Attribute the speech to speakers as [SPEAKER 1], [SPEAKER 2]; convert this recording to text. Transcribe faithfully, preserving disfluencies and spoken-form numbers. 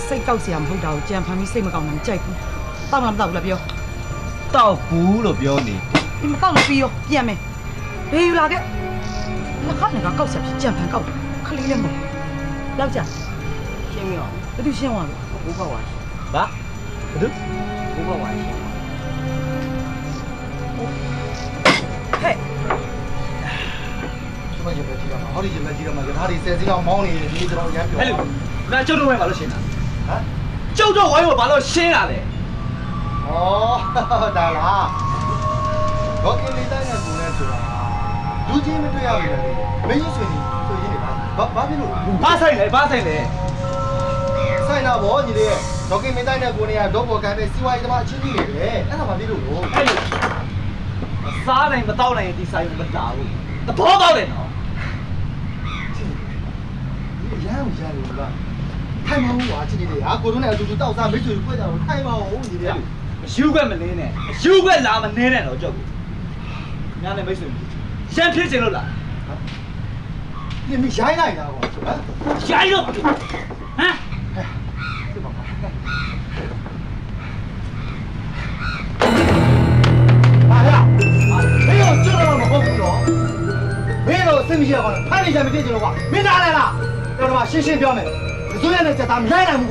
[SPEAKER 1] စိတ်ကောက်စရာမဟုတ်တာကိုကြံဖန်ပြီးစိတ်မကောင်းနိုင်ကြိုက်ဘူးတောက်လားမတောက်ဘူးလားပြော
[SPEAKER 2] တောက်ဘူးလို့ပြောနေ
[SPEAKER 1] ဒီမတောက်လို့ပြီးရောပြန်မယ်ဘေးယူလာခဲ့လက်ခနဲ့ကကောက်ဆက်ပြီးကြံဖန်ကောက်ခလေးလည်းမဟုတ်လောက်ကြ
[SPEAKER 3] ရှင်းပြီအောင်
[SPEAKER 1] ဘယ်သူရှင်းသွားလဲ
[SPEAKER 3] ဘိုးဘဝရှင်း
[SPEAKER 2] ဘာဘယ်သူ
[SPEAKER 3] ဘိုးဘဝရှင်း
[SPEAKER 1] ဟဲ့
[SPEAKER 4] 什么也没提到嘛，好的也没提到嘛，给他的三十两毛呢，你知道人标。
[SPEAKER 2] အဲ့လိုငါကျုပ်တို့ဝိုင်းပါလို့ရှင်းတာ
[SPEAKER 4] 啊？
[SPEAKER 2] ကျုပ်တို့ဝိုင်းကိုဘာလို့ရှင်းတာလဲ
[SPEAKER 4] 哦，当然啦。我给你带那姑娘去了，如今没对呀，没得，没人说你，说你的吧？把把别路。
[SPEAKER 2] ဘာဆိုင်လဲဘာဆိုင်လဲ
[SPEAKER 4] ဆိုင်နာဘောညီလေးဒေါက်ကင်မင်းတိုင်းတဲ့ကိုနေရတော့ဘောကံပဲစီဝိုင်းတမအချင်းကြီးနေတယ်အဲ့ဒါမှပြလို့လို့
[SPEAKER 2] အဲ့လိုမစားနိုင်မတောက်နိုင်ဒီဆိုင်ကိုမတားဘူးသဘောပေါက်တယ်နော်
[SPEAKER 4] ဒီရမ်းရမ်းလို့ကထိုင်မအောင်ကွာချင်းကြီးလေးဟာကိုတို့နဲ့အတူတူတောက်စားမိတ်ဆွေဖွဲ့ကြတော့ထိုင်မအောင်ညီလေး
[SPEAKER 2] ယူခွက်မနေနဲ့ယူခွက်လာမနေနဲ့တော့ကြောက်ဘူးညာနဲ့မိတ်ဆွေရှမ်းဖြစ်ချင်လို့လား
[SPEAKER 4] ဒီမိရိုင်းလိုက်တာကွာဟမ်
[SPEAKER 2] ရိုင်းတော့ဟမ်
[SPEAKER 4] ဟာရမင်းတို့ကျွတ်တော့မဟုတ်ဘူးနော်မင်းတို့စိတ်မရှိရကောင်းတယ်ဖိုင်နေချင်မဖြစ်ချင်လို့ကွာမင်းနားလဲလားတော်တော်ရှင်းရှင်းပြောမယ်အစိုးရနဲ့စက်သားမရိုင်းနိုင်ဘူး